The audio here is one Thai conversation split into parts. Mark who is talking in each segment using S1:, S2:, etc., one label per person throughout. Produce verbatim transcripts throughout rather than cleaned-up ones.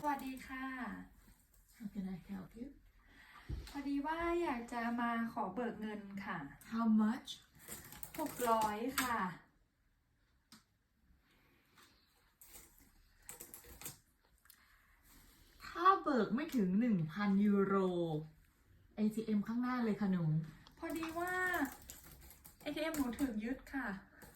S1: สวัสดีค่ะ
S2: How can I help you?
S1: พอดีว่าอยากจะมาขอเบิกเงินค่ะ
S2: How much?
S1: หกร้อยค่ะ
S2: ถ้าเบิกไม่ถึง หนึ่งพัน ยูโร เอ ที เอ็ม ข้างหน้าเลยค่ะหนู
S1: พอดีว่า เอ ที เอ็ม หนูถูกยึดค่ะ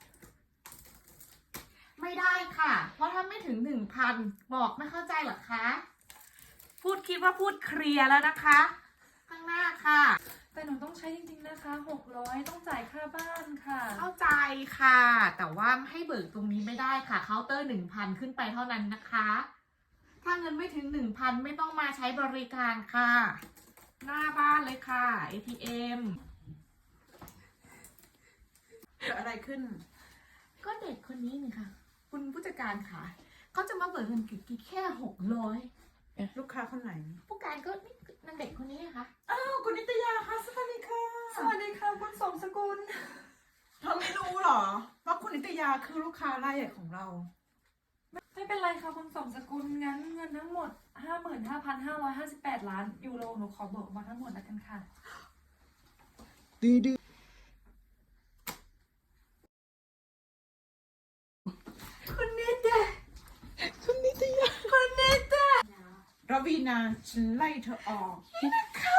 S2: ไม่ได้ค่ะ เพราะถ้าไม่ถึง หนึ่งพัน บอกไม่เข้าใจเหรอคะ พูดคิดว่าพูดเคลียร์แล้วนะคะ ข้างหน้าค่ะ
S1: แต่หนูต้องใช้จริงๆนะคะหกร้อยต้องจ่ายค่าบ้านค่ะ
S2: เข้าใจค่ะ แต่ว่าให้เบิกตรงนี้ไม่ได้ค่ะ เคาน์เตอร์ หนึ่งพัน ขึ้นไปเท่านั้นนะคะ ถ้าเงินไม่ถึง หนึ่งพัน ไม่ต้องมาใช้บริการค่ะ หน้าบ้านเลยค่ะ เอ ที เอ็ม
S3: เกิดอะไรขึ้น
S2: ก็เด็กคนนี้นี่ค่ะ คุณผู้จัดการค่ะ เขาจะมาเบิกเงินกี่แค่หกร้อย
S3: ลูกค้าคนไหน
S2: ผู้การก็นี่นางเด็กคนนี้ค่ะ
S3: อ้าว คุณนิตยาค่ะ สวัสดีค่ะ
S1: สวัสดีค่ะคุณสมสกุล
S3: เธอไม่รู้เหรอ ว่าคุณนิตยาคือลูกค้ารายใหญ่ของเรา
S1: ไม่เป็นไรค่ะคุณสมสกุลงั้นเงินทั้งหมด ห้าหมื่นห้าพันห้าร้อยห้าสิบแปด ล้านยูโรหนูขอเบิกมาทั้งหมดแล้วกันค่ะ
S3: ดีดีคุณนิตยาคุณนิตยาคุณนิตยารวีนาฉันไล่เธอออก
S2: นี่นะคะ